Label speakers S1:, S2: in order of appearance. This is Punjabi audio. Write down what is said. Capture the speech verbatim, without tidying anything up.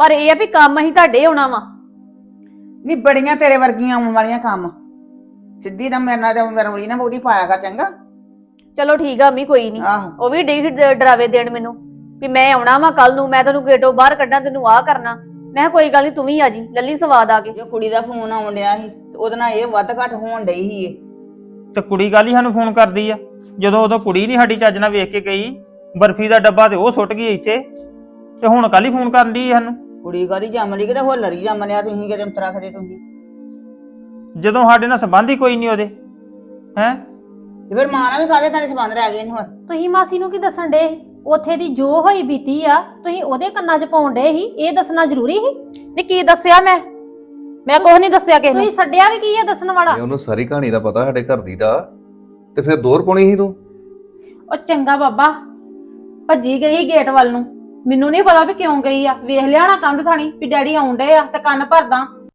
S1: ਪਰ ਇਹ ਆ ਵੀ ਕੰਮ ਅਸੀਂ ਤੁਹਾਡੇ ਆਉਣਾ ਵਾ।
S2: ਨੀ ਬੜੀਆਂ ਤੇਰੇ ਵਰਗੀਆਂ ਆਉਣ ਵਾਲੀਆਂ ਕੰਮ ਸਿੱਧੀ ਨਾ ਮੇਰੇ ਨਾਲ ਤੇ ਰੌਲੀ ਨਾ ਬੋੜੀ ਪਾਇਆ ਕਰ ਚੰਗਾ।
S1: ਚਲੋ ਠੀਕ ਆ ਮੰਮੀ ਕੋਈ ਨਹੀਂ।
S2: ਆਹੋ
S1: ਉਹ ਵੀ ਡੇ ਡਰਾਵੇ ਦੇਣ ਮੈਨੂੰ ਵੀ ਮੈਂ ਆਉਣਾ ਵਾ ਕੱਲ ਨੂੰ, ਮੈਂ ਤੈਨੂੰ ਗੇਟੋਂ ਬਾਹਰ ਕੱਢਾਂ, ਤੈਨੂੰ ਆਹ ਕਰਨਾ। ਮੈਂ ਕਿਹਾ ਕੋਈ ਗੱਲ ਨਹੀਂ, ਤੂੰ ਵੀ ਆ ਜੀ, ਲੱਲੀ ਸਵਾਦ ਆ ਕੇ।
S2: ਜੋ ਕੁੜੀ ਦਾ ਫੋਨ ਆਉਣ ਡਿਆ ਸੀ ਤੇ ਉਹਦੇ ਨਾਲ ਇਹ ਵੱਧ ਘੱਟ ਹੋਣ ਡਈ ਸੀ ਇਹ।
S3: ਤੇ ਕੁੜੀ ਗੱਲ ਹੀ ਸਾਨੂੰ ਫੋਨ ਕਰਦੀ ਆ, ਜਦੋਂ ਉਦੋਂ ਕੁੜੀ ਨਹੀਂ ਸਾਡੀ ਚੱਜ ਨਾਲ ਵੇਖ ਕੇ ਗਈ। ਬਰਫੀ ਦਾ ਡੱਬਾ ਤੇ ਉਹ ਸੁੱਟ ਗਈ ਇੱਥੇ, ਤੇ ਹੁਣ ਕੱਲ ਹੀ ਫੋਨ ਕਰਨ ਦੀ ਸਾਨੂੰ।
S2: ਕੁੜੀ ਕਾਦੀ ਜੰਮ ਲਈ ਕਿਤੇ ਹੋਲਰ ਹੀ ਜੰਮ ਲਿਆ ਤੁਸੀਂ, ਕਿਤੇ ਅੰਤਰਾ ਖਦੇ ਤੁਸੀਂ।
S3: ਜਦੋਂ ਸਾਡੇ ਨਾਲ ਸੰਬੰਧ ਹੀ ਕੋਈ ਨਹੀਂ ਉਹਦੇ ਹੈ।
S2: ਤੇ ਫਿਰ ਮਾਂ ਨਾਲ ਵੀ ਕਾਹਦੇ ਤੁਹਾਡੇ ਸੰਬੰਧ ਰਹਿ ਗਏ ਨੇ ਹੁਣ?
S4: ਤੁਸੀਂ ਮਾਸੀ ਨੂੰ ਕੀ ਦੱਸਣ ਡੇ? ਉੱਥੇ ਦੀ ਜੋ ਹੋਈ ਬੀਤੀ ਆ ਤੁਸੀਂ ਉਹਦੇ ਕੰਨਾਂ 'ਚ ਪਾਉਣ ਡੇ ਸੀ, ਇਹ ਦੱਸਣਾ ਜ਼ਰੂਰੀ ਸੀ?
S1: ਨਹੀਂ ਕੀ ਦੱਸਿਆ ਮੈਂ ਮੈਂ ਕੁਝ ਨਹੀਂ ਦੱਸਿਆ ਕਿਸੇ ਨੂੰ।
S4: ਤੁਸੀਂ ਛੱਡਿਆ ਵੀ ਕੀ ਆ ਦੱਸਣ ਵਾਲਾ?
S5: ਉਹਨੂੰ ਸਾਰੀ ਕਹਾਣੀ ਦਾ ਪਤਾ ਸਾਡੇ ਘਰ ਦੀ ਦਾ, ਤੇ ਫਿਰ ਦੋਰ ਪਾਉਣੀ ਸੀ ਤੂੰ।
S1: ਉਹ ਚੰਗਾ ਬਾਬਾ, ਭੱਜੀ ਗਈ ਗੇਟ ਵੱਲ ਨੂੰ, ਮੈਨੂੰ ਨਹੀਂ ਪਤਾ ਵੀ ਕਿਉਂ ਗਈ ਆ। ਵੇਖ ਲਿਆ ਨਾ ਕੰਧ ਥਾਣੀ ਵੀ ਡੈਡੀ ਆਉਣ ਡੇ ਆ ਤੇ ਕੰਨ ਭਰਦਾ